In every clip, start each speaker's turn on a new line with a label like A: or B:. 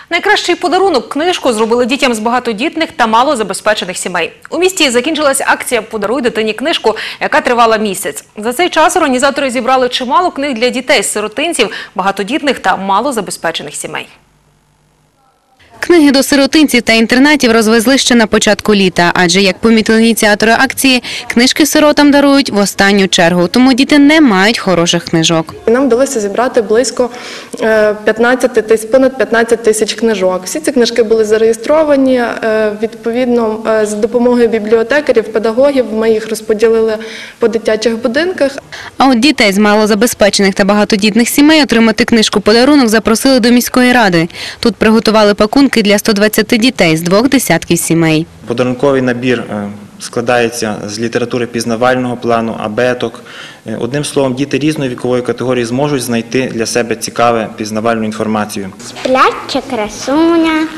A: Найкращий подарунок – книжку зробили дітям з багатодітних та малозабезпечених сімей. У місті закінчилась акція «Подаруй дитині книжку», яка тривала місяць. За цей час організатори зібрали чимало книг для дітей-сиротинців, багатодітних та малозабезпечених сімей.
B: Книги до сиротинців та інтернатів розвезли ще на початку літа, адже, як помітили ініціатори акції, книжки сиротам дарують в останню чергу, тому діти не мають хороших книжок.
C: Нам вдалося зібрати близько понад 15 тисяч книжок. Всі ці книжки були зареєстровані, відповідно, за допомогою бібліотекарів, педагогів, ми їх розподілили по дитячих будинках.
B: А от дітей з малозабезпечених та багатодітних сімей отримати книжку-подарунок запросили до міської ради. Тут приготували пакунки для 120 дітей з 2 десятків сімей.
D: Подарунковий набір складається з літератури пізнавального плану, абеток. Одним словом, діти різної вікової категорії зможуть знайти для себе цікаву пізнавальну інформацію.
E: Спляча красуня,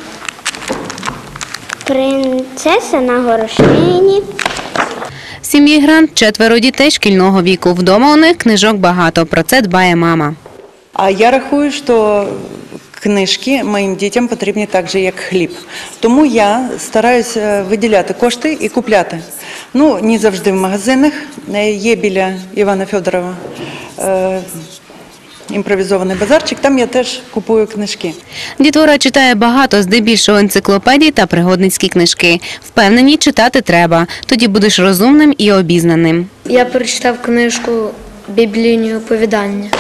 E: принцеса на горошині.
B: В сім'ї Грант 4 дітей шкільного віку. Вдома у них книжок багато. Про це дбає мама.
F: А я рахую, що книжки моїм дітям потрібні так же, як хліб. Тому я стараюся виділяти кошти і купляти. Ну, не завжди в магазинах. Є біля Івана Федорова імпровізований базарчик, там я теж купую книжки.
B: Дітвора читає багато, здебільшого енциклопедій та пригодницькі книжки. Впевнені, читати треба, тоді будеш розумним і обізнаним.
G: Я прочитав книжку «Біблійні оповідання».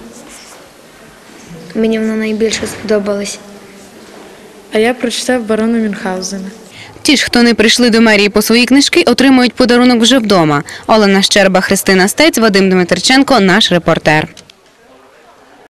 G: Мені вона найбільше сподобалась.
H: А я прочитав «Барона Мюнхгаузена».
B: Ті ж, хто не прийшли до мерії по свої книжки, отримують подарунок вже вдома. Олена Щерба, Христина Стець, Вадим Дмитриченко – наш репортер.